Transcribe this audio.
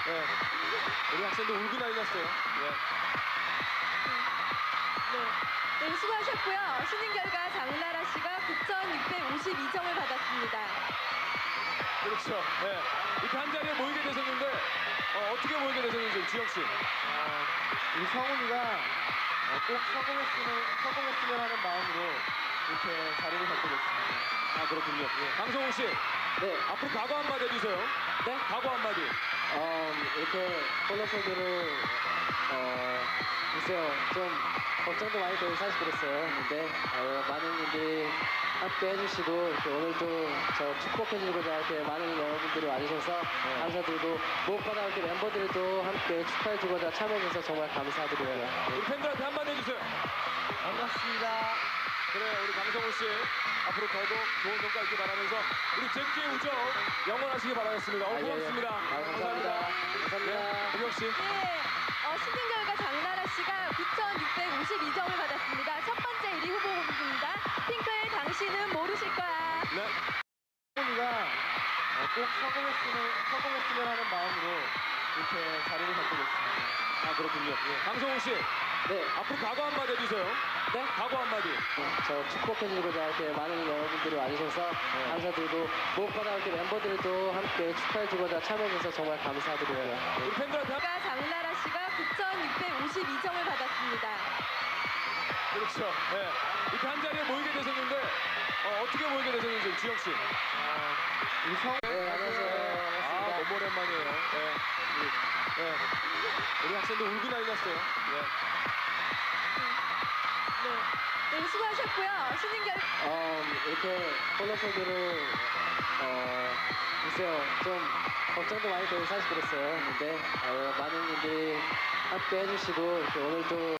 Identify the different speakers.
Speaker 1: 네. 우리 학생들 울고 난리 났어요. 예.
Speaker 2: 네, 수고하셨고요. 신인 결과 장나라 씨가 9,652점을 받았습니다.
Speaker 1: 그렇죠. 네. 이렇게 한 자리에 모이게 되셨는데 어떻게 모이게 되셨는지 주영 씨.
Speaker 3: 우리 성훈이가 꼭 성공했으면 하는 마음으로 이렇게 자리를 잡게 됐습니다.
Speaker 1: 아 그렇군요. 예. 강성훈 씨.
Speaker 3: 네,
Speaker 1: 앞으로 각오 한마디 해주세요.
Speaker 3: 네?
Speaker 1: 각오 한마디.
Speaker 3: 이렇게 콜라세드로 글쎄요, 좀 걱정도 많이 되고 사실 그랬어요. 근데 많은 분들이 함께 해주시고 이렇게 오늘도 저 축복해주고자 이렇게 많은 여러분들이 와주셔서 감사드리고 무엇보다 이렇게 멤버들도 함께 축하해주고자 참여해주셔서 정말 감사드리고요.
Speaker 1: 우리 팬들한테 한마디 해주세요.
Speaker 3: 반갑습니다.
Speaker 1: 그래 우리 강성훈 씨 앞으로 더더욱 좋은 성과 있길 바라면서 우리 잭키의 우정 영원하시길 바라겠습니다.
Speaker 3: 예, 예.
Speaker 1: 고맙습니다.
Speaker 3: 감사합니다. 감사합니다.
Speaker 1: 네, 우영 씨.
Speaker 2: 네, 신인 결과 장나라 씨가 9,652점을 받았습니다. 첫 번째 1위 후보 곡입니다. 핑크의 당신은 모르실 거야.
Speaker 1: 네.
Speaker 3: 성훈이가 꼭 성공했으면 하는 마음으로 이렇게 자리를 잡게 됐습니다.
Speaker 1: 아 그렇군요. 예. 강성훈 씨
Speaker 3: 네,
Speaker 1: 앞으로 각오 한마디 해주세요.
Speaker 3: 네?
Speaker 1: 각오 한마디.
Speaker 3: 저 축복해주고자 이렇게 많은 여러분들이 와주셔서 감사드리고 무엇보다 이렇게 멤버들도 함께 축하해주고자 참여해주셔서 정말 감사드리고요.
Speaker 1: 우리 팬들한테
Speaker 2: 결과 장나라 씨가 9,652점을 받았습니다.
Speaker 1: 그렇죠. 네. 이렇게 한 자리에 모이게 되셨는데 어떻게 모이게 되셨는지 주영 씨.
Speaker 3: 우리 네, 안녕하세요.
Speaker 1: 아
Speaker 3: 반갑습니다.
Speaker 1: 너무 오랜만이에요. 네. 네. 우리 학생들 울고 난리 났어요. 예.
Speaker 2: 네, 수고하셨고요. 신인 결과
Speaker 3: 이렇게 콜라세드로 글쎄요, 좀 걱정도 많이 되고 사실 그랬어요. 근데 많은 분들이 함께 해주시고 이렇게 오늘도